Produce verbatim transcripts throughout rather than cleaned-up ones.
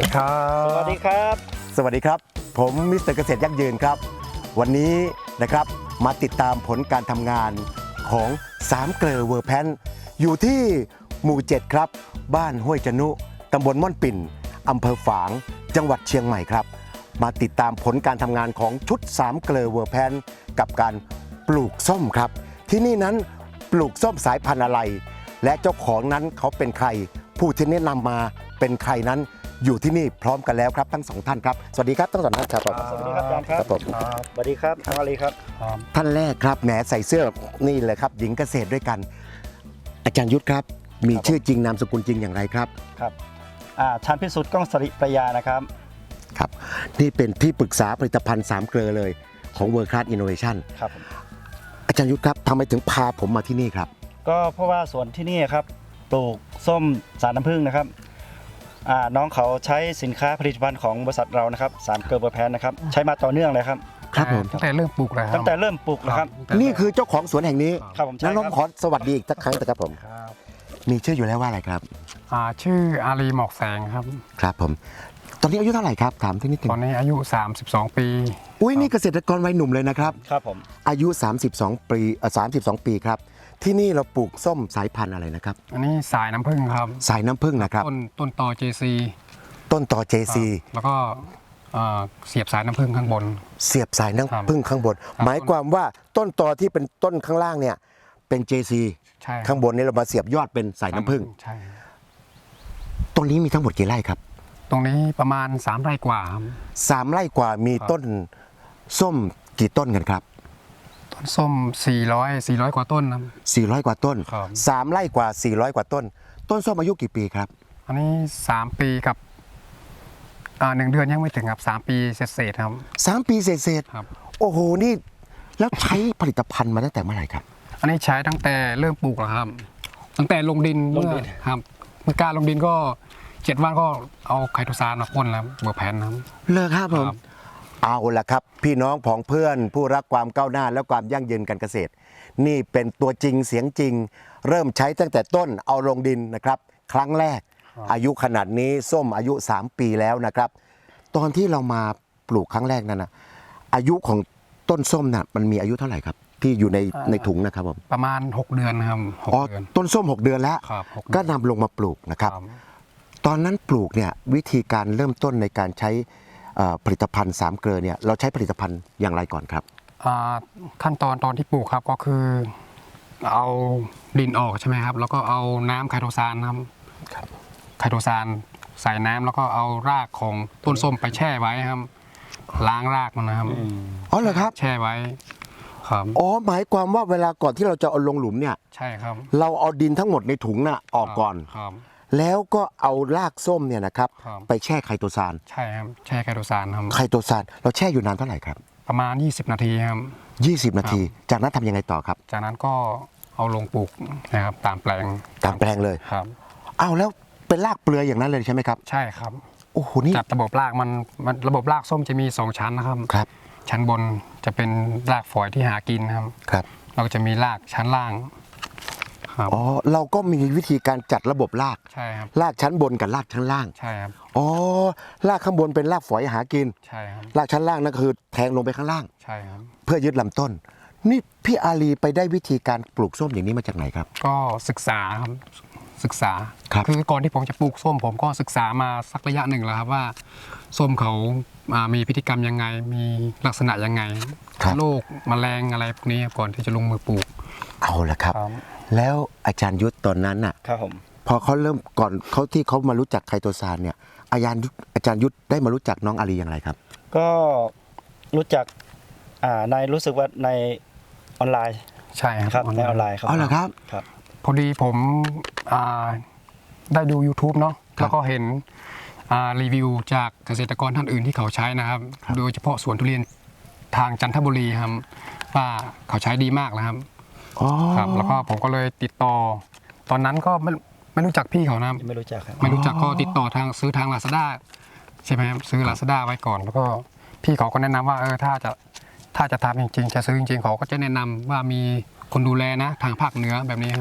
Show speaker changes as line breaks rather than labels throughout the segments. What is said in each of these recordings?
ครับ
สวัสดีครับ
สวัสดีครับผมมิสเตอร์เกษตรยั่งยืนครับวันนี้นะครับมาติดตามผลการทำงานของสามเกลอเวอร์แพนอยู่ที่หมู่เจ็ดครับบ้านห้วยจนุตำบลม่อนปิ่นอำเภอฝางจังหวัดเชียงใหม่ครับมาติดตามผลการทำงานของชุดสามเกลอเวอร์แพนกับการปลูกส้มครับที่นี่นั้นปลูกส้มสายพันธุ์อะไรและเจ้าของนั้นเขาเป็นใครผู้ที่แนะนำมาเป็นใครนั้นอยู่ที่นี่พร้อมกันแล้วครับทั้งสองท่านครับสวัสดีครับทั้งสองท่านครับ
สวัสดีครับอาจารย์ครับ
ครับผม
สวัสดีครับน้องอาลีครับ
ท่านแรกครับแหมใส่เสื้อนี่เลยครับหญิงเกษตรด้วยกัน อาจารย์ยุทธครับมีชื่อจริงนามสกุลจริงอย่างไรครับ
ครับอ่าชันพิสุทธิ์ก้องสริประยานะครับ
ครับนี่เป็นที่ปรึกษาผลิตภัณฑ์สามเกลอเลยของ World Class Innovation
ครับผม
อาจารย์ยุทธครับทำไมถึงพาผมมาที่นี่ครับ
ก็เพราะว่าสวนที่นี่ครับปลูกส้มสายน้ำผึ้งนะครับอ่าน้องเขาใช้สินค้าผลิตภัณฑ์ของบริษัทเรานะครับสามเกลอเวอร์แพนนะครับใช้มาต่อเนื่องเลยครับ
ครับผม
ตั้งแต่เริ่มปลูกเลยครับ
ตั้งแต่เริ่มปลูกนะครับ
นี่คือเจ้าของสวนแห่งนี้
ครับผมใช่
นั้น
ค
น้
รั
อบ งขอสวัสดีอีกสักครั้งนะครับผม
ครับ
มีชื่ออยู่แล้วว่าอะไรครับ
อ่าชื่ออาลีหมอกแสงครับ
ครับผมตอนนี้อายุเท่าไหร่ครับถามที่นิดนึง
ตอนนี้อายุ สามสิบสอง ปี
อุ้ยนี่เกษตรกรวัยหนุ่มเลยนะครับ
ครับผม
อายุ สามสิบสอง ปีเอ่อสามสิบสอง ปีครับที่นี่เราปลูกส้มสายพันธุ์อะไรนะครับ
อันนี้สายน้ำผึ้งครับ
สายน้ำผึ้งนะครับ
ต้นต้นตอ เจ ซี
ต้นต่อ เจ ซี
แล้วก็เอ่อเสียบสายน้ำผึ้งข้างบน
เสียบสายน้ำผึ้งข้างบน หมายความว่าต้นตอที่เป็นต้นข้างล่างเนี่ยเป็น เจ ซี
ใช่ครับ
ข้างบนนี้เรามาเสียบยอดเป็นสายน้ำผึ้ง
ใช่
ตรงนี้มีทั้งหมดกี่ไร่ครับ
ตรงนี้ประมาณสามไร่กว่าครับ
สามไร่กว่ามี
ครับ
ต้นส้มกี่ต้นกันครับ
ต้นส้มสี่ร้อย สี่ร้อยกว่าต้นครับ
สี่ร้อยกว่าต้น
ครับ
สามไร่กว่าสี่ร้อยกว่าต้น ต้นส้มอายุกี่ปีครับ
อันนี้สามปีกับอ่าหนึ่งเดือนยังไม่ถึงครับสามปีเศษๆครับ
สามปีเศษ
ครับ
ๆโอ้โหนี่แล้วใช้ผลิตภัณฑ์มาตั้งแต่เมื่อไหร่ครับ
อันนี้ใช้ตั้งแต่เริ่มปลูกแล้วครับ ตั้งแต่ลงดินเมื่อครับเมื่อการลงดินก็เจ็ดวันก็เอาไคโตซานมาพ่นแล้วเบอร์แพนครับ
เลิกครับผม
ครับ
เอาละครับ พี่น้องผองเพื่อนผู้รักความก้าวหน้าและความยั่งยืนการเกษตร นี่เป็นตัวจริงเสียงจริง เริ่มใช้ตั้งแต่ต้นเอาลงดินนะครับ ครั้งแรก อายุขนาดนี้ส้มอายุสามปีแล้วนะครับ ตอนที่เรามาปลูกครั้งแรกนั้นนะอายุของต้นส้มน่ะมันมีอายุเท่าไหร่ครับ ที่อยู่ในในถุงนะครับผม
ประมาณหกเดือนครับหก
อ๋อ
เดือน
ต้นส้มหกเดือนแล้ว
ครับหกเดือน
ก็นำลงมาปลูกนะครับ
ครับ
ตอนนั้นปลูกเนี่ยวิธีการเริ่มต้นในการใช้เอ่อผลิตภัณฑ์สามเกลอเนี่ยเราใช้ผลิตภัณฑ์อย่างไรก่อนครับ
อ่าขั้นตอนตอนที่ปลูกครับก็คือ เอาดินออกใช่ไหมครับ แล้วก็เอาน้ำไคโตซานครับไคโตซานใส่น้ำแล้วก็เอารากของต้นส้มไปแช่ไว้ครับ ล้างรากมันนะครับ
อ๋อเหรอครับ
แช่ไว้ครับ
อ๋อหมายความว่าเวลาก่อนที่เราจะเอาลงหลุมเนี่ย
ใช่ครับ
เราเอาดินทั้งหมดในถุงน่ะออกก่อน
ครับ
แล้วก็เอารากส้มเนี่ยนะครับ
ครับ
ไปแช่ไคโตซาน
ใช่ครับแช่ไคโตซานครับ
ไคโตซานเราแช่อยู่นานเท่าไหร่ครับ
ประมาณยี่สิบนาทีครับ
ยี่สิบ นาที จากนั้นทำยังไงต่อครับ
จากนั้นก็เอาลงปลูกนะครับตามแปลง
ตามแปลงเลย
ครับ
เอาแล้วเป็นรากเปลือยอย่างนั้นเลยใช่ไหมครับ
ใช่ครับ
โอ้โหนี่
จัดระบบรากมันมันระบบรากส้มจะมีสองชั้นนะครับ
ครับ
ชั้นบนจะเป็นรากฝอยที่หากินนะครับ
ครับ
เราก็จะมีรากชั้นล่างครับ
อ๋อเราก็มีวิธีการจัดระบบราก
ใช่ครับ
รากชั้นบนกับรากชั้นล่าง
ใช่ครับ
อ๋อรากข้างบนเป็นรากฝอยหากิน
ใช่ครับ
รากชั้นล่างนั่นคือแทงลงไปข้างล่าง
ใช่ครับ
เพื่อยึดลำต้น นี่พี่อาลีไปได้วิธีการปลูกส้มอย่างนี้มาจากไหนครับ
ก็ศึกษาครับศึกษา
ครับ
อก่อนที่ผมจะปลูกส้ม ผมก็ศึกษามาสักระยะหนึ่งแล้วครับว่าส้มเขาอ่ามีพฤติกรรมยังไง มีลักษณะยังไง
ครับ
โรคแมลงอะไรพวกนี้ก่อนที่จะลงมือปลูก
เอาละครับ แล้วอาจารย์ยุทธตอนนั้นน่ะ
ครับผม
พอเขาเริ่มก่อนเขาที่เขามารู้จักไคโตซานเนี่ยอาจารย์ยุทธอาจารย์ยุทธได้มารู้จักน้องอาลีอย่างไรครับ
ก็รู้จักอ่าในรู้สึกว่าในออนไลน์
ใช่ค
ครั
รั
บบ ในออนไลน์ครับ
อ๋อเหรอครับ
ครับ
พอดีผมอ่าได้ดู YouTube เนาะ
ครับ
แล้วก็เห็นอ่ารีวิวจากเกษตรกรท่านอื่นที่เขาใช้นะครับ
ครับ
โดยเฉพาะสวนทุเรียนทางจันทบุรีครับว่าเขาใช้ดีมากนะครับ
อ๋อ
ครับ แล้วก็ผมก็เลยติดต่อ ตอนนั้นก็ไม่ไม่รู้จักพี่เขานะ
ไม่รู้จักครับ
ไม่รู้จักก็ติดต่อทางซื้อทาง Lazada ใช่ไหมครับซื้อ Lazada ไว้ก่อน แล้วก็พี่เขาก็แนะนำว่าเออถ้าจะถ้าจะทำจริงๆ จะซื้อจริงๆเขาก็จะแนะนำว่ามีคนดูแลนะทางภาคเหนือแบบนี้ครับ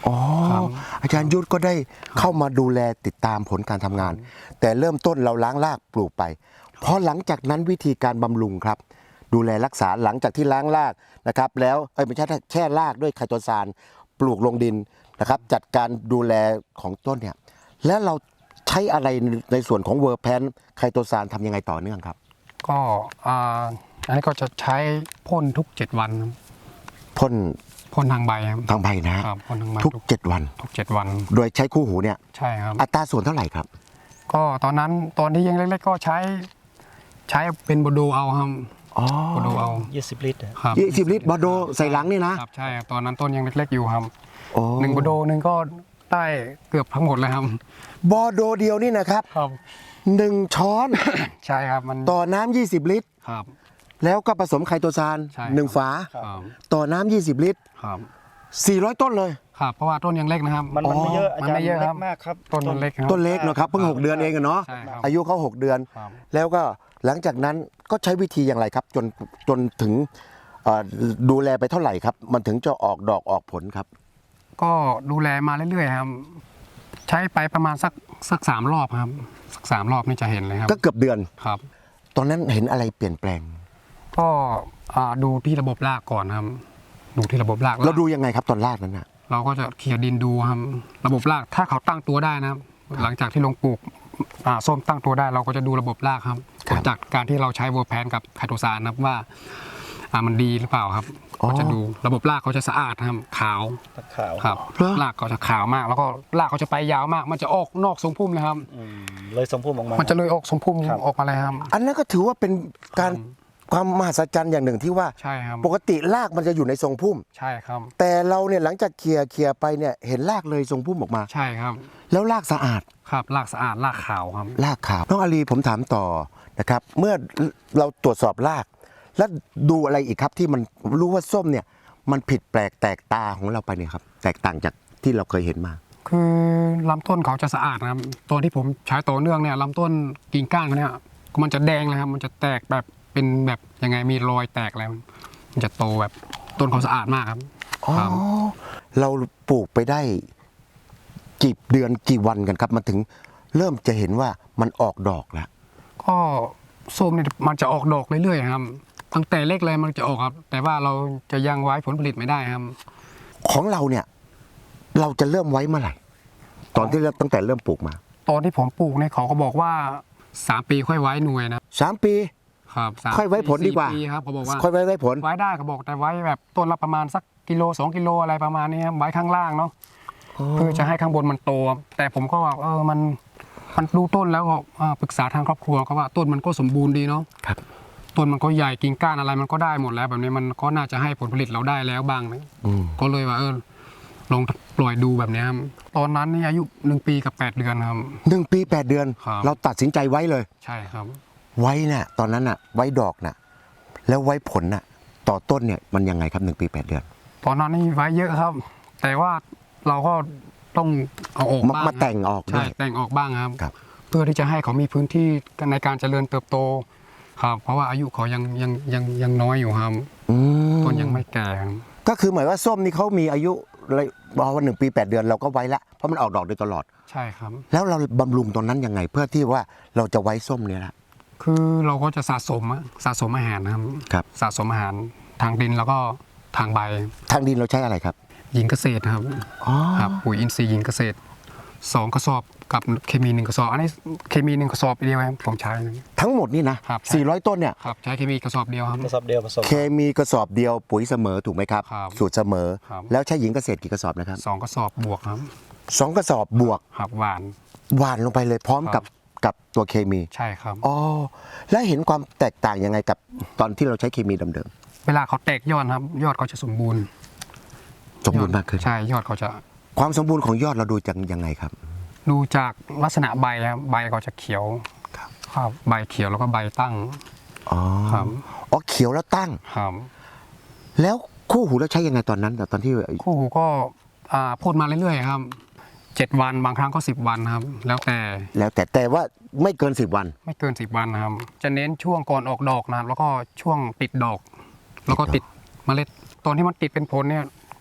อ๋อ
ครับ
อาจารย์ยุทธก็ได้เข้ามาดูแลติดตามผลการทำงาน แต่เริ่มต้นเราล้างรากปลูกไปพอหลังจากนั้นวิธีการบำรุงครับ ดูแลรักษาหลังจากที่ล้างรากนะครับ แล้วเอ้ยไม่ใช่แช่รากด้วยไคโตซานปลูกลงดินนะครับ จัดการดูแลของต้นเนี่ยแล้วเราใช้อะไรในส่วนของเวอร์แพนไคโตซานทำยังไงต่อเนื่องครับ
ก็อ่าอันนี้ก็จะใช้พ่นทุกเจ็ดวันครับ
พ่น
พ่นทางใบครับ
ทางใบนะฮะ
ครับพ่นทางใบ
ทุกเจ็ดวัน
ทุกเจ็ดวัน
โดยใช้คู่หูเนี่ย
ใช่ครับ
อัตราส่วนเท่าไหร่ครับ
ก็ตอนนั้นตอนที่ยังเล็กๆก็ใช้ใช้เป็นโบโดเอาครับ
อ๋อ
โบโดเอา
ยี่สิบลิตรอะ
ครับ
ยี่สิบลิตรบอโดใส่หลังนี่นะครับ
ใช่ครับตอนนั้นต้นยังเล็กๆอยู่ครับ
โอ้
หนึ่งโบโดหนึ่งก็ได้เกือบทั้งหมดเลยครับ
บอโดเดียวนี่นะครับ
ครับ
หนึ่งช้อน
ใช่ครับมัน
ต่อน้ำยี่สิบลิตร
ครับ
แล้วก็ผสมไคโตซาน
ใช่
หนึ่งฝา
ครับ
ต่อน้ำยี่สิบลิตร
ครับ
สี่ร้อยต้นเลย
ครับเพราะว่าต้นยังเล็กนะครับ
มันมันไม่เยอะอา
มัน
จาร
ไม่
ย์
เยอะ
เล็
ครับ
กมากครับ
ต้นมันเล็กครับ
ต้นเล็กเนอะครับเพิ่งหกเดือนเองอะเนาะ
ใช่ครับ
อายุเขาหกเดือน
ครับ
แล้วก็หลังจากนั้นก็ใช้วิธีอย่างไรครับ จนจนถึงเอ่อดูแลไปเท่าไหร่ครับ มันถึงจะออกดอกออกผลครับ
ก็ดูแลมาเรื่อยๆครับ ใช้ไปประมาณสักสักสามรอบครับสักสามรอบนี่จะเห็นเลยครับ
ก็เกือบเดือน
ครับ
ตอนนั้นเห็นอะไรเปลี่ยนแปลง
ก็อ่าดูที่ระบบรากก่อนครับดูที่ระบบราก
เราดูยังไงครับตอนแรกนั้นน่ะ
เราก็จะเขี่ยดินดูครับระบบรากถ้าเขาตั้งตัวได้นะครับ หลังจากที่ลงปลูกอ่าส้มตั้งตัวได้ เราก็จะดูระบบรากครับ
ครับ
จากการที่เราใช้เวอร์แพนกับไคโตซานนะครับว่าอ่ามันดีหรือเปล่าครับ
อ๋อ
ก็จะดูระบบรากเขาจะสะอาดครับขาว
ตะขาว
ครับ
เหรอ
รากเขาจะขาวมาก แล้วก็รากเขาจะไปยาวมาก มันจะออกนอกทรงพุ่มนะครับ
อืมเลยสมพุ่มออกมา
มันจะเลยออกทรงพุ่ม
ครับ
ออกมาเลยครับ
อันนั้นก็ถือว่าเป็นการความมหัศจรรย์อย่างหนึ่งที่ว่า
ใช่ครับ
ปกติรากมันจะอยู่ในทรงพุ่ม
ใช่ครับ
แต่เราเนี่ยหลังจากเคลียร์เคลียร์ไปเนี่ยเห็นรากเลยทรงพุ่มออกมา
ใช่ครับ
แล้วรากสะอาด
ครับรากสะอาดรากขาวครับ
รากขาวน้องอาลีผมถามต่อนะครับ เมื่อเราตรวจสอบราก แล้วดูอะไรอีกครับที่มันรู้ว่าส้มเนี่ยมันผิดแปลกแตกตาของเราไปเนี่ยครับแตกต่างจากที่เราเคยเห็นมา
คือลำต้นเขาจะสะอาดนะครับตอนที่ผมใช้ต่อเนื่องเนี่ยลำต้นกิ่งก้านเขาเนี่ยมันจะแดงเลยครับ มันจะแตกแบบเป็นแบบยังไงมีรอยแตกแล้ว มันจะโตแบบต้นเขาสะอาดมากครับ
อ๋อ
ครับ
เราปลูกไปได้กี่เดือนกี่วันกันครับมันถึงเริ่มจะเห็นว่ามันออกดอกแล้ว
ก็ส้มเนี่ยมันจะออกดอกเรื่อยๆครับตั้งแต่เล็กเลยมันจะออกครับ แต่ว่าเราจะยังไว้ผลผลิตไม่ได้ครับ
ของเราเนี่ยเราจะเริ่มไว้เมื่อไหร่ ตอนที่เริ่มตั้งแต่เริ่มปลูกมา
ตอนที่ผมปลูกเนี่ยเขาก็บอกว่าสามปีค่อยไว้หน่วยนะ
สามปี
ครับสาม
ค่อยไว้ผลดีกว่า
สี่ปีครับเขาบอกว่า
ค่อยไว้ไว้ผล
ไว้ได้เขาบอกแต่ไว้แบบต้นละประมาณสักกิโลสองกิโลอะไรประมาณนี้ครับไว้ข้างล่างเนาะเพื่อจะให้ข้างบนมันโตครับแต่ผมก็ว่าเออมันมันดูต้นแล้วก็อ่าปรึกษาทางครอบครัวก็ว่าต้นมันก็สมบูรณ์ดีเนาะ
ครับ
ต้นมันก็ใหญ่กิ่งก้านอะไรมันก็ได้หมดแล้วแบบนี้มันก็น่าจะให้ผลผลิตเราได้แล้วบ้างนะ
อืม
ก็เลยว่าเออลองปล่อยดูแบบนี้ครับตอนนั้นนี่อายุหนึ่งปีกับแปดเดือนครับ
หนึ่งปีแปดเดือน
ครับ
เราตัดสินใจไว้เลย
ใช่ครับ
ไว้น่ะตอนนั้นน่ะไว้ดอกน่ะแล้วไว้ผลน่ะต่อต้นเนี่ยมันยังไงครับหนึ่งปีแปดเดือน
ตอนนั้นนี่ไว้เยอะครับ แต่ว่าเราก็ต้องเอาออก
มา
บ้าง
มาแต่งออกด้
ใช่
วย
แต่งออกบ้างครับ
ครับ
เพื่อที่จะให้เขามีพื้นที่ในการเจริญเติบโตครับ เพราะว่าอายุเขายังยังยังยังน้อยอยู่ครับ
อืม
ต้นยังไม่แก่ครับ
ก็คือหมายว่าส้มนี่เขามีอายุเลยบอกว่าหนึ่งปีแปดเดือนเราก็ไว้ละเพราะมันออกดอกโดยตลอด
ใช่ครับ
แล้วเราบำรุงตอนนั้นยังไง เพื่อที่ว่าเราจะไว้ส้มเนี่ยละ
คือเราก็จะสะสมอะสะสมอาหารนะครับ
ครับ
สะสมอาหารทางดินแล้วก็ทางใบ
ทางดินเราใช้อะไรครับ
หญิงเกษตรครับ
อ๋อ
ครับปุ๋ยอินทรีย์หญิงเกษตรสองกระสอบกับเคมีหนึ่งกระสอบอันนี้เคมีหนึ่งกระสอบเดียวครับผมใช้
ทั้งหมดนี่นะครับ
ใช่
สี่ร้อยต้นเนี่ย
ครับใช้เคมีกระสอบเดียวครับ
กระสอบเดียวผสม
เคมีกระสอบเดียวปุ๋ยเสมอถูกไหมครับ
ครับ
สูตรเสมอ
ครับ
แล้วใช้หญิงเกษตรกี่กระสอบนะครับ
สองกระสอบบวกครับ
สองกระสอบบวก
ครับหวาน
หวานลงไปเลยพร้อม
ครั
กับบ กับตัวเคมี
ใช่ครับ
อ๋อแล้วเห็นความแตกต่างยังไงกับตอนที่เราใช้เคมีเดิม
เวลาเขาแตกยอดครับ ยอดเขาจะสมบูรณ์
ๆสมบูรณ์มากขึ้น
ใช่ยอดเขาจะ
ความสมบูรณ์ของยอดเราดูจากยังไงครับ
ดูจากลักษณะใบครับใบเขาจะเขียวครับใบเขียวแล้วก็ใบตั้ง
อ๋อ
ครับ
อ๋อเขียวแล้วตั้ง
ครับ
แล้วคู่หูเราใช้ยังไงตอนนั้นตอนที่
คู่หูก็อ่าพ่นมาเรื่อยๆครับเจ็ดวันบางครั้งก็สิบวันครับ แล้วแต่
แล้วแต่แต่ว่าไม่เกินสิบวัน
ไม่เกินสิบวันนะครับ จะเน้นช่วงก่อนออกดอกนะครับแล้วก็ช่วงติดดอก แล้วก็ติดเมล็ดตอนที่มันติดเป็นผลเนี่ย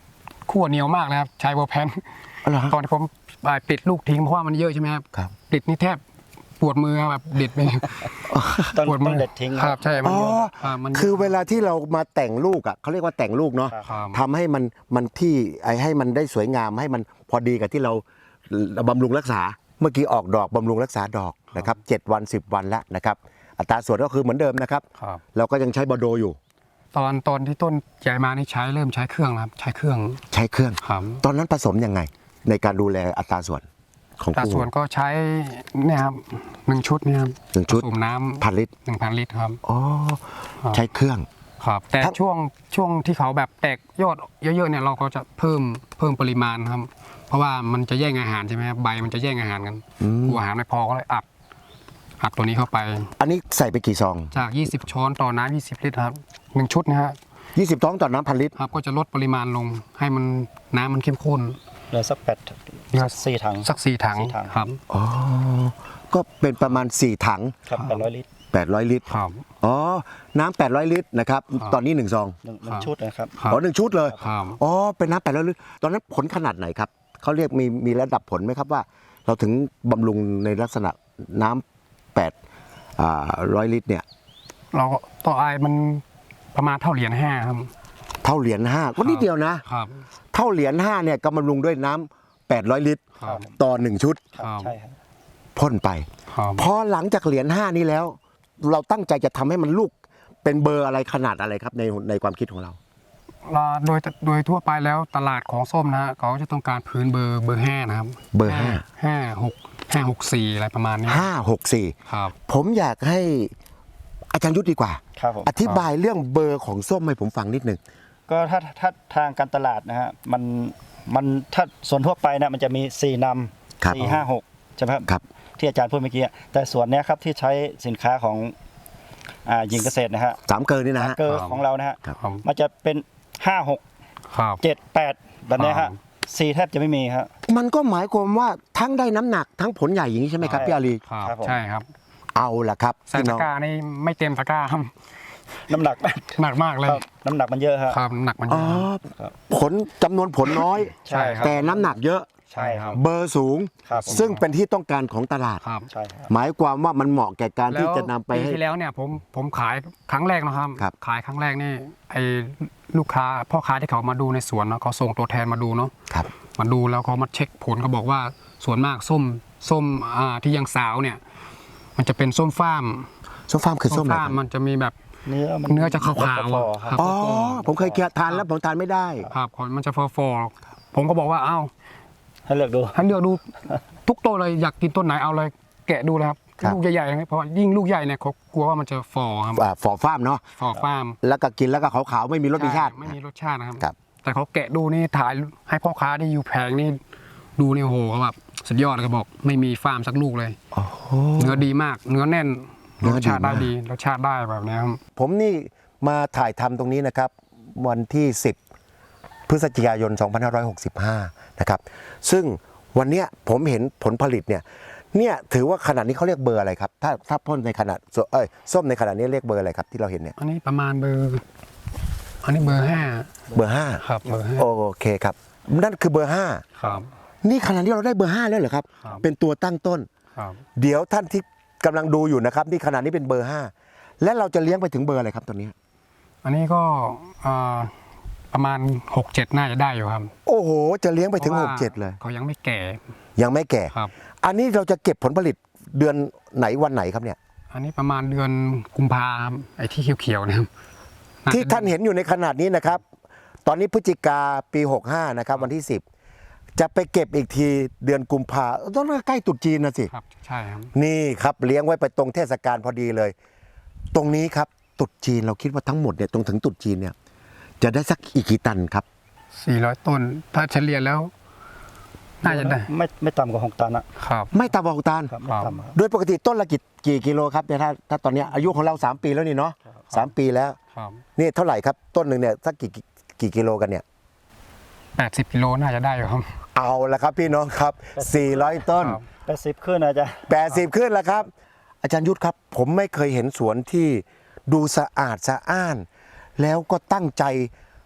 ขั้วเหนียวมากเลยครับใช้เวอร์แพน
อ๋อเหรอฮะ
ตอนที่ผมอ่าปิดลูกทิ้งเพราะว่ามันเยอะใช่ไหมครับ
ครับ
ปิดนี่แทบปวดมือครับแบบเด็ดไป
ต้อง
ปวด
ต้
มื
องเด็ดทิ้ง
ครับใช่มัน
อ๋อ
เยอะอ่ามันยะ
คือเวลาที่เรามาแต่งลูกอ่ะเขาเรียกว่าแต่งลูกเนาะ
ครับ
ทำให้มันมันที่ไอให้มันได้สวยงามให้มันพอดีกับที่เราบำรุงรักษาเมื่อกี้ออกดอกบำรุงรักษาดอกนะครับเจ็ดวันสิบวันแล้วนะครับอัตราส่วนก็คือเหมือนเดิมนะครับ
ครับ
เราก็ยังใช้บอโดอยู่
ตอนตอนที่ต้นใหญ่มานี่ใช้เริ่มใช้เครื่องแล้วครับใช้เครื่อง
ใช้เครื่อง
ครับ
ตอนนั้นผสมยังไง ในการดูแลอัตราส่วนของ
แต่
คู่
ส่วนก็ใช้เนี่ยครับหนึ่งชุดเนี่ยครับ
หนึ่งชุด
ผสมน้ำ
พันลิตร
หนึ่งพันลิตรครับ
อ๋อ
ครับ
ใช้เครื่อง
ครับ แต่
ทั้ง
ช่วงช่วงที่เขาแบบแตกยอดเยอะๆเนี่ยเราก็จะเพิ่มเพิ่มปริมาณครับ เพราะว่ามันจะแย่งอาหารใช่ไหมครับใบมันจะแย่งอาหารกันกลัวอาหารไม่พอก็เลยอัดอัดตัวนี้เข้าไป
อันนี้ใส่ไปกี่ซอง
จาก ยี่สิบ ช้อนต่อน้ำยี่สิบ ลิตรครับหนึ่งชุดนะฮะ
ยี่สิบท้องต่อน้ำพันลิตร
ครับก็จะลดปริมาณลงให้มันน้ำมันเข้มข้น
เหลือสักแปด
เหลือ
สี่ถัง
สักสี่ถัง
สี่ถัง
ครับ
อ๋อ ก็เป็นประมาณสี่ถัง
ครับแปดร้อยลิตร
แปดร้อยลิตร
ครับ
อ๋อ น้ำแปดร้อยลิตรนะครับ
ครับ
ตอนนี้หนึ่งซอง
หนึ่งหนึ่งชุดนะครับ
ครับ
อ๋อหนึ่งชุดเลย
ครับ
อ๋อ เป็นน้ำแปดร้อยลิตร ตอนนั้นผลขนาดไหนครับ เขาเรียกมีมีระดับผลไหมครับว่า เราถึงบำรุงในลักษณะน้ำแปดร้อยลิตรเนี่ย
เราก็ต่อไอมันประมาณเท่าเหรียญห้าครับ
เท่าเหรียญห้าก็นิดเดียวนะ
ครับ
เท่าเหรียญห้าเนี่ยก็บำรุงด้วยน้ำแปดร้อยลิตร
ครับ
ต่อหนึ่งชุด
ครับ
ใช่ครับ
พ่นไป
ครับ
พอหลังจากเหรียญห้านี้แล้ว เราตั้งใจจะทำให้มันลูกเป็นเบอร์อะไรขนาดอะไรครับในในความคิดของเรา
เราโดยโดยทั่วไปแล้วตลาดของส้มนะฮะเขาจะต้องการพื้นเบอร์เบอร์ห้านะครับ
เบอร์ห้า
ห้าหกห้าหกสี่อะไรประมาณนี้
ห้าหกสี่
ครับ
ผมอยากให้อาจารย์ยุทธดีกว่า
ครับผม
อธิบายเรื่องเบอร์ของส้มให้ผมฟังนิดหนึ่ง
ก็ถ้าถ้าทางการตลาดนะฮะมันมันถ้าส่วนทั่วไปนะมันจะมีสี่น
ครับ
ำสี่ห้าหกใช่ไหมครับ
ครับ
ที่อาจารย์พูดเมื่อกี้แต่ส่วนเนี้ยครับที่ใช้สินค้าของอ่าหญิงเกษตรนะฮะ
สามเกินนี่นะฮะ
เกอร์ของเรานะฮะ
ครับ
ครับ
มันจะเป็นห้าหก
ครับ
เจ็ดแปดแบบเนี้ย
ครั
ฮะ
บ
สี่แทบจะไม่มีครับ
มันก็หมายความว่าทั้งได้น้ำหนักทั้งผลใหญ่อย่างนี้ใช่ไหมครับ
ใช่
พี่อาลี
ครับ
ครับผม
ใช่ครับ
เอาละครับ
ใส่
พี่
ตะ
น้อง
กร้านี่ไม่เต็มตะกร้าครับ
น้ำหนัก
หนักมากเลย
ครับน้ำหนักมันเยอะฮะ
ครับหนักมันเย
อ๋อ
อะ
ผลจำนวนผลน้อย
ใช่ครับ
แต่น้ำหนักเยอะ
ใช่ครับ
เบอร์สูง
ครับผม
ซึ่งเป็นที่ต้องการของตลาด
ครับ
ใช่ครับ
หมายความว่ามันเหมาะแก่การที่จะนำไป
ปี
ให้
ที่แล้วเนี่ยผมผมขายครั้งแรกนะครับ
ครับ
ขายครั้งแรกนี่ไอ้ลูกค้าพ่อค้าที่เขามาดูในสวนเนาะเขาส่งตัวแทนมาดูเนาะ
ครับ
มาดูแล้วเขามาเช็คผลเขาบอกว่าส่วนมากส้มส้มอ่าที่ยังสาวเนี่ย มันจะเป็นส้มฟ้าม
ส้มฟาร์มคือส้มอะไร
ฟ้าม
ครับ
มันจะมีแบบ
เนื้อมัน
เนื้อจะขาวๆ
ฟ
อะ
อๆครับ
ครับ
อ๋อ ผมเคยทานแล้วผมทานไม่ได้
ครับมันจะฟอฟอๆผมก็บอกว่าเอ้า
ให้เลือกดู
ให้เลือกดูทุกต้นเลยอยากกินต้นไหนเอาเลยแกะดูเลยครับ
ครับ
ลูกใหญ่ๆเพราะว่ายิ่งลูกใหญ่เนี่ยเขากลัวว่ามันจะฟอครับ
อ่าฝอฟาร์มเนาะ
ฟอฟ้าม
แล้วก็กินแล้วก็ขาวๆไม่มีรสมีชาติ
ใไม่มีรสชาตินะครับ
ครับ
แต่เขาแกะดูนี่ถ่ายให้พ่อค้าที่อยู่แผงนี่ดูนี่โอ้โหเขาแบบสุดยอดเลยเขาบอกไม่มีฟาร์มสักลูกเลย
โอ้โห
เนื้อดีมาก เนื้อแน่น
เนื้
ร
อ
ส
ดี
ชาติได้
มาก
ดีรสชาติได้แบบนี้ครับ
ผมนี่มาถ่ายทำตรงนี้นะครับ วันที่สิบพฤศจิกายนสองพันห้าร้อยหกสิบห้านะครับซึ่งวันเนี้ยผมเห็นผลผลิตเนี่ยเนี่ยถือว่าขนาดนี้เขาเรียกเบอร์อะไรครับถ้าถ้าพ่นในขนาดเอ้ยส้มในขนาดนี้เรียกเบอร์อะไรครับที่เราเห็นเนี่ย
อันนี้ประมาณเบอร์อันนี้เบอร์ห้า
เบอร์ห้า
ครับเบอร์ห้า
โอเคครับนั่นคือเบอร์ห้า
ครับ
นี่ขนาดนี้เราได้เบอร์ห้าแล้วเหรอครับ
ครับ
เป็นตัวตั้งต้น
ครับ
เดี๋ยวท่านที่กำลังดูอยู่นะครับนี่ขนาดนี้เป็นเบอร์ห้าและเราจะเลี้ยงไปถึงเบอร์อะไรครับตอนนี้
อันนี้ก็อ่าประมาณหกเจ็ดน่าจะได้อยู่ครับ
โอ้โห จะเลี้ยงไปถึง
พราะ
ห
ว่าก
เจ็ดเลย
เขายังไม่แก่
ยังไม่แก่
ครับ
อันนี้เราจะเก็บผลผลิตเดือนไหนวันไหนครับเนี่ย
อันนี้ประมาณเดือนกุมภาครับไอ้ที่เขียวๆนะครับ
ที่ท่านเห็นอยู่ในขนาดนี้นะครับ ตอนนี้พฤศจิกาปีหกห้านะครับวันที่สิบจะไปเก็บอีกทีเดือนกุมภาต้องใกล้ตรุษจีนนะสิ
ครับใช่ครับ
นี่ครับเลี้ยงไว้ไปตรงเทศกาลพอดีเลย ตรงนี้ครับตรุษจีนเราคิดว่าทั้งหมดเนี่ยตรงถึงตรุษจีนเนี่ยจะได้สักอีกกี่ตันครับ
สี่ร้อยต้น ถ้าเฉลี่ยแล้ว น่าจะได้
ไม่ไม่ต่ำกว่าหกตันอะ
ครับ
ไม่ต่ำกว่าหกตัน
ครับไม่ต่ำครับ
โดยปกติต้นละกี่กี่กิโลครับเนี่ยถ้าถ้าตอนเนี้ยอายุของเราสามปีแล้วนี่เนาะสามปีแล้ว
ครับ
นี่เท่าไหร่ครับต้นหนึ่งเนี่ยสักกี่กี่กิโลกันเนี่ย
แปดสิบกิโลน่าจะได้อยู่ครับ
เอาละครับพี่น้องครับสี่ร้อยต้น
ครับ
แปดสิบขึ้นนะอาจารย์
แปดสิบขึ้นแล้วครับ อาจารย์ยุทธครับ ผมไม่เคยเห็นสวนที่ดูสะอาดสะอ้าน แล้วก็ตั้งใจ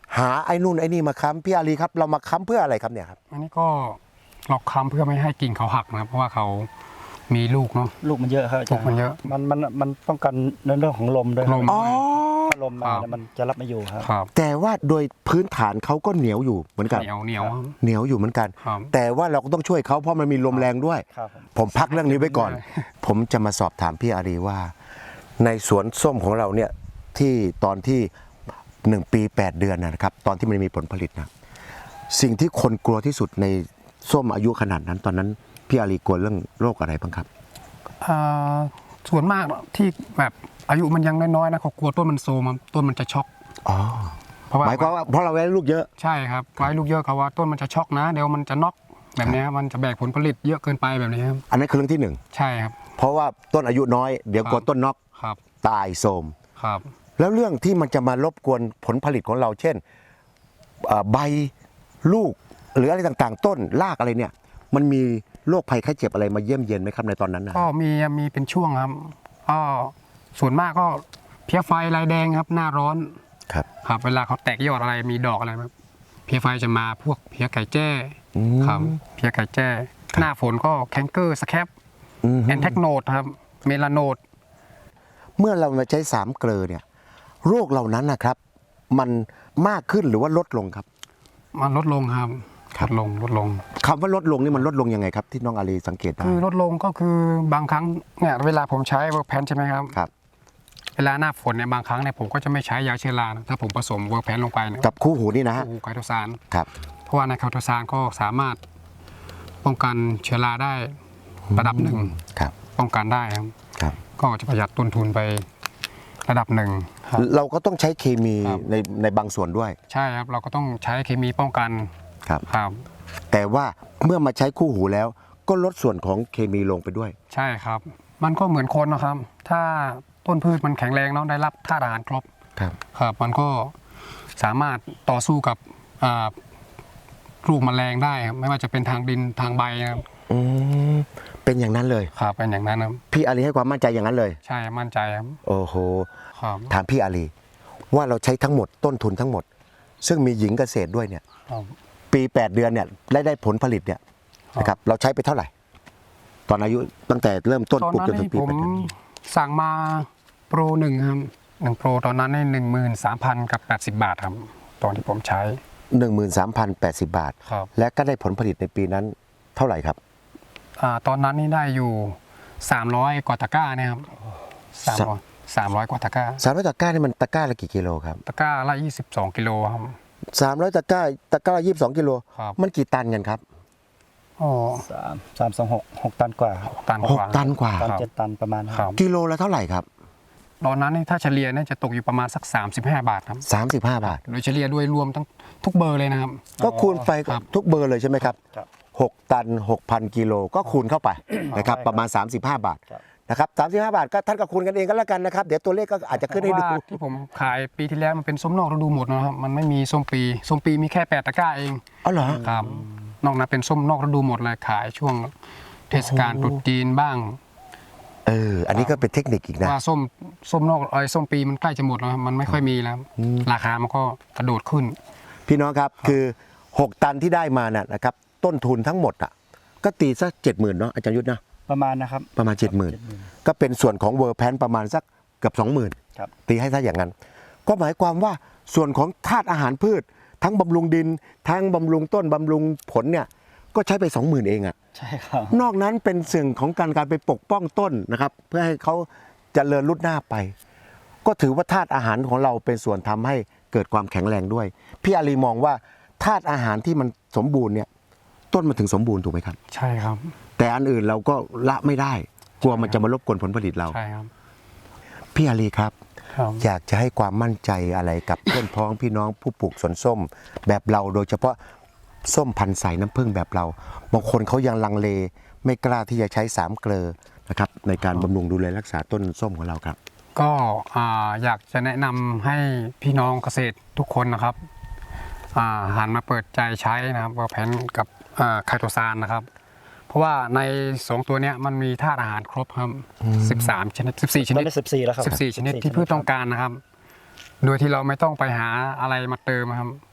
หาไอ้นู่นไอ้นี่มาค้ำพี่อารีครับเรามาค้ำเพื่ออะไรครับเนี่ยครับ
อันนี้ก็หลอกค้ำเพื่อไม่ให้กิ่งเขาหักนะครับเพราะว่าเขามีลูกเนาะ
ลูกมันเยอะครับอาจารย์
ลูกมันเยอะ
มันมันมันป้องกันในเรื่องของลมด้วย
ลม
อ๋อ
ถ้าลมมาเนี่ยมันจะรับไม่อยู่ครับ
ครับ
แต่ว่าโดยพื้นฐานเขาก็เหนียวอยู่เหมือนกัน
เหนียวเหนียวครับ
เหนียวอยู่เหมือนกัน
ครับ
แต่ว่าเราก็ต้องช่วยเขาเพราะมันมีลมแรงด้วย
ครับผม
ผมพักเรื่องนี้ไว้ก่อน ผมจะมาสอบถามพี่อารีว่า ในสวนส้มของเราเนี่ยที่ตอนที่หนึ่งปีแปดเดือนนะครับ ตอนที่มันมีผลผลิตนะสิ่งที่คนกลัวที่สุดในส้มอายุขนาดนั้น ตอนนั้นพี่อารีกลัวเรื่องโรคอะไรบ้างครับ
อ่าส่วนมากที่แบบอายุมันยังน้อยๆนะเขากลัวต้นมันโซมครับต้นมันจะช็อก
อ๋อ
เพราะว่า
หมายความว่าเพราะเราได้ลูกเยอะ
ใช่ครับไว้ลูกเยอะเขาว่าต้นมันจะช็อกนะเดี๋ยวมันจะน็อกแบบนี้ครับมันจะแบกผลผลิตเยอะเกินไปแบบนี้ครับ
อันนั้นคือเรื่องที่หนึ่ง
ใช่ครับ
เพราะว่าต้นอายุน้อยเดี๋ยวกลัวต้นน็อก
ครับ
ตายโทรม
ครับ
แล้วเรื่องที่มันจะมารบกวนผลผลิตของเรา เช่นเอ่อใบลูกหรืออะไรต่างๆ ต้นรากอะไรเนี่ย มันมีโรคภัยไข้เจ็บอะไรมาเยี่ยมเยียนไหมครับในตอนนั้นนะ
ก็มีมีเป็นช่วงครับก็ส่วนมากก็เพี้ยไฟลายแดงครับหน้าร้อน
ครับ
ครับเวลาเขาแตกยอดอะไรมีดอกอะไรครับเพี้ยไฟจะมาพวกเพี้ยไก่แจ้
อืม
ครับเพี้ยไก่แจ้ หน้าฝนก็แคนเกอร์สแคป
อืม
แอนแทกโนดครับเมลาโนด
เมื่อเรามาใช้สามเกลอเนี่ยโรคเหล่านั้นนะครับ มันมากขึ้นหรือว่าลดลงครับ
มันลดลงครับ
ครั
ล
บ
ดลงลดลง
คำว่าลดลงนี่มันลดลงยังไงครับ ที่น้องอารีสังเกตได้
คือลดลงก็คือบางครั้งเนี่ยเวลาผมใช้เวิร์กแพนใช่ไหมครับ
ครับ
เวลาหน้าฝนเนี่ยบางครั้งเนี่ยผมก็จะไม่ใช้ยาเชื้อรานะถ้าผมผสมเวิร์กแพนลงไปเนี่ย
กับคู่หูนี่นะฮะ
โอ้ไคโตซาน
ครับ
เพราะว่าในไคโตซานก็สามารถป้องกันเชื้อราได้ระดับหนึ่ง
ครับ
ป้องกันได้ครับ
ครับ
ก็จะประหยัดต้นทุนไประดับหนึ่งครับ
เราก็ต้องใช้เคมี
ครับ
ในในบางส่วนด้วย
ใช่ครับเราก็ต้องใช้เคมีป้องกัน
ครับ
ครับ
แต่ว่าเมื่อมาใช้คู่หูแล้ว ก็ลดส่วนของเคมีลงไปด้วย
ใช่ครับ มันก็เหมือนคนนะครับ ถ้าต้นพืชมันแข็งแรงเนาะได้รับธาตุอาหารครบ
ครับ
ครับ มันก็สามารถต่อสู้กับอ่าลูกแมลงได้ครับไม่ว่าจะเป็นทางดินทางใบนะครับ
อืมเป็นอย่างนั้นเลย
ครับเป็นอย่างนั้นครับ
พี่อารีให้ความมั่นใจอย่างนั้นเลย
ใช่มั่นใจครับ
โอ้โห
ครับ
ถามพี่อารีว่าเราใช้ทั้งหมดต้นทุนทั้งหมด ซึ่งมีหญิงเกษตรด้วยเนี่ย
ครับ
ปีแปดเดือนเนี่ยได้ได้ผลผลิตเนี่ย
ครับ
นะครับเราใช้ไปเท่าไหร่ ตอนอายุตั้งแต่เริ่มต้น
ตอน
ปลูก
นั้น
จนถึ
นี่
งปี
ผม
แปดเดือน
สั่งมาโปรหนึ่งครับหนึ่งโปรตอนนั้นในหนึ่งหมื่นสามพันกับแปดสิบบาทครับ ตอนที่ผมใช้
หนึ่งหมื่นสามพันแปดสิบบาท
ครับ
และก็ได้ผลผลิตในปีนั้นเท่าไหร่ครับ
อ่าตอนนั้นนี่ได้อยู่สามร้อยกว่าตะกร้าเนี่ยครับสามร้อยสามร้อยกว่าตะกร้า
สามร้อยตะกร้านี่มันตะกร้าละกี่กิโลครับ
ตะกร้าละยี่สิบสองกิโลครับ
สามร้อยตะกร้าตะกร้ายี่สิบสองกิโล
ครับ
มันกี่ตันกันครับ
อ๋อ
สามสามสองหกหกตันกว่าครับ
ตัน
ห
ก
ก
ว่า
ตันกว่า
ตัน
ครับ
เจ็ดตันประมาณนั้น
ครับ
กิโลละเท่าไหร่ครับ
ตอนนั้นนี่ถ้าเฉลี่ยเนี่ยจะตกอยู่ประมาณสักสามสิบห้าบาทครับ
สามสิบห้าบาท
โดยเฉลี่ยด้วยรวมทั้งทุกเบอร์เลยนะครับ
ก็คูณไป
ครับ
ทุกเบอร์เลยใช่ไหมครับ
ครับ
หกตันหกพันกิโลก็คูณเข้าไปนะครับ
ใช่ครับ
ประมาณ สามสิบห้า บาท
ครับ
นะครับสามสิบห้าบาทก็ท่านก็คูณกันเองก็แล้วกันนะครับ เดี๋ยวตัวเลขก็อาจจะขึ้นให้ดู
เพราะว่าที่ผมขายปีที่แล้วมันเป็นส้มนอกฤดูหมดนะครับ มันไม่มีส้มปี ส้มปีมีแค่แปดตะกร้าเอง
อ๋อเหรอ
ครับ นอกนั้นเป็นส้มนอกฤดูหมดเลยขายช่วงเทศกาลตรุษจีนบ้าง
เอออันนี้ก็เป็นเทคนิคอีกนะ
ว่าส้มส้มนอกไอ้ส้มปีมันใกล้จะหมดแล้วครับมันไม่ค่อยมีแล้ว ราคามันก็กระโดดขึ้น
พี่น้องครับคือ หก ตันที่ได้มาน่ะนะครับต้นทุนทั้งหมดอ่ะก็ตีสักเจ็ดหมื่นเนาะอาจารย์ยุทธนะ
ประมาณนะครับ
ประมาณ เจ็ดหมื่น ก็เป็นส่วนของเวอร์แพนประมาณสักเกือบสองหมื่น
ครับ
ตีให้ซะอย่างนั้น ก็หมายความว่าส่วนของธาตุอาหารพืช ทั้งบำรุงดิน ทั้งบำรุงต้นบำรุงผลเนี่ยก็ใช้ไป สองหมื่น เองอะ
ใช่ครับ
นอกนั้นเป็นสิ่งของการการไปปกป้องต้นนะครับ เพื่อให้เขาเจริญรุดหน้าไป ก็ถือว่าธาตุอาหารของเราเป็นส่วนทำให้เกิดความแข็งแรงด้วย พี่อารีมองว่าธาตุอาหารที่มันสมบูรณ์เนี่ยต้นมันถึงสมบูรณ์ถูกไหมครับ
ใช่ครับ
แต่อันอื่นเราก็ละไม่ได้ กลัวมันจะมารบกวนผลผลิตเรา
ใช่ครับ
พี่อารีครับ
ครับ
อยากจะให้ความมั่นใจอะไรกับ เพื่อนพ้องพี่น้องผู้ปลูกสวนส้ม แบบเราโดยเฉพาะส้มพันธุ์ใสน้ำผึ้งแบบเรา บางคนเขายังลังเล ไม่กล้าที่จะใช้สามเกลอนะครับในการบำรุงดูแลรักษาต้นส้มของเราครับ
ก็อ่าอยากจะแนะนำให้พี่น้องเกษตรทุกคนนะครับอ่าหันมาเปิดใจใช้นะครับเวอร์แพนกับอ่าไคโตซานนะครับ เพราะว่าในสองตัวเนี้ยมันมีธาตุอาหารครบครับสิบสามชนิดสิบสี่ช
ต
นิ
อ
ด
นนี้สิบสี่แล้วครับ
สิบสี่ชนิดที่พืชต้องการนะครับ โดยที่เราไม่ต้องไปหาอะไรมาเติมครับ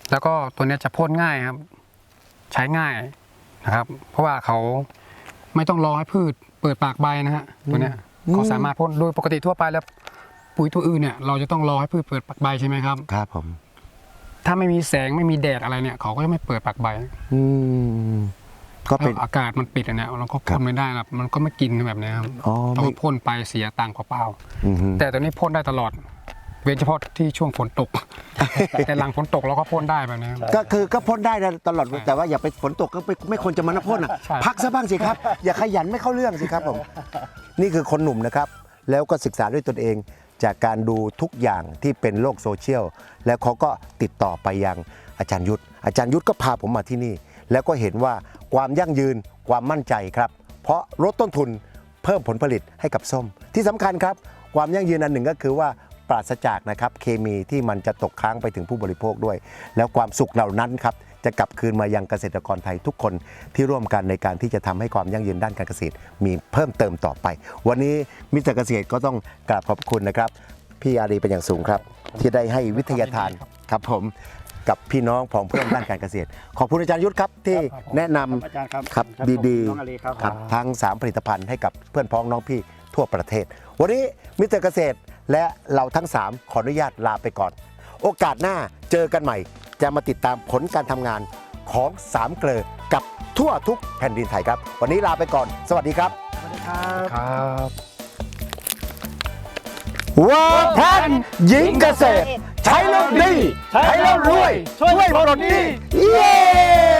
แล้วก็ตัวเนี้ยจะพ่นง่ายครับ ใช้ง่ายนะครับ เพราะว่าเขาไม่ต้องรอให้พืชเปิดปากใบนะฮะตัวเนี้ยเขาสามารถพ่นโดยปกติทั่วไปแล้วปุ๋ยตัวอื่นเนี่ยเราจะต้องรอให้พืชเปิดปากใบใช่ไหมครับ
ครับผม
ถ้าไม่มีแสงไม่มีแดดอะไรเนี่ยเขาก็จะไม่เปิดปากใบ
อืมก็เป็น
แล้วอากาศมันปิดอันเนี้ยเราก็พ่นไม่ได้ครับมันก็ไม่กินแบบเนี้ยครับ
อ๋อ
เรา
ไม่
ก็พ่นไปเสียตังค์เปล่า
อือฮึ
ๆแต่ตัวนี้พ่นได้ตลอด เว้นเฉพาะที่ช่วงฝนตก แต่หลังฝนตกเราก็พ่นได้แบบนี้ครับ
ก็คือก็พ่นได้นะตลอดแต่ว่าอย่าไปฝนตกก็ไม่ไม่ควรจะมานะพ่นอ่ะ
ใช่
พักซะบ้างสิครับ อย่าขยันไม่เข้าเรื่องสิครับผมนี่คือคนหนุ่มนะครับ แล้วก็ศึกษาด้วยตนเอง จากการดูทุกอย่างที่เป็นโลกโซเชียลแล้วเขาก็ติดต่อไปยังอาจารย์ยุทธอาจารย์ยุทธก็พาผมมาที่นี่ แล้วก็เห็นว่าความยั่งยืนความมั่นใจครับ เพราะลดต้นทุนเพิ่มผลผลิตให้กับส้ม ที่สำคัญครับ ความยั่งยืนอันหนึ่งก็คือว่าปราศจากนะครับเคมีที่มันจะตกค้างไปถึงผู้บริโภคด้วย แล้วความสุขเหล่านั้นครับจะกลับคืนมายังเกษตรกรไทยทุกคนที่ร่วมกันในการที่จะทำให้ความยั่งยืนด้านการเกษตรมีเพิ่มเติมต่อไป วันนี้มิสเตอร์เกษตรก็ต้องกราบขอบคุณนะครับ พี่อารีเป็นอย่างสูงครับ ที่ได้ให้วิทยาทานครับผมกับพี่น้องผองเพื่อนด้านการเกษตร ขอบคุณอาจารย์ยุทธครับที่แนะนำ
อาจารย์ครับ
ครับ
ครับ
ดี
น้องอาลีครับ
ๆครับทั้งสามผลิตภัณฑ์ให้กับเพื่อนพ้องน้องพี่ทั่วประเทศ วันนี้มิสเตอร์เกษตรและเราทั้งสามขออนุญาตลาไปก่อน โอกาสหน้าเจอกันใหม่ จะมาติดตามผลการทำงานของสามเกลอกับทั่วทุกแผ่นดินไทยครับ วันนี้ลาไปก่อน สวัสดีครับ
สวัสดีครับ
ครับ
เวิร์กแพนหญิงเกษตร ใช้แล้วดี ใช้แล้วรวย ช่วยปลดหนี้เย้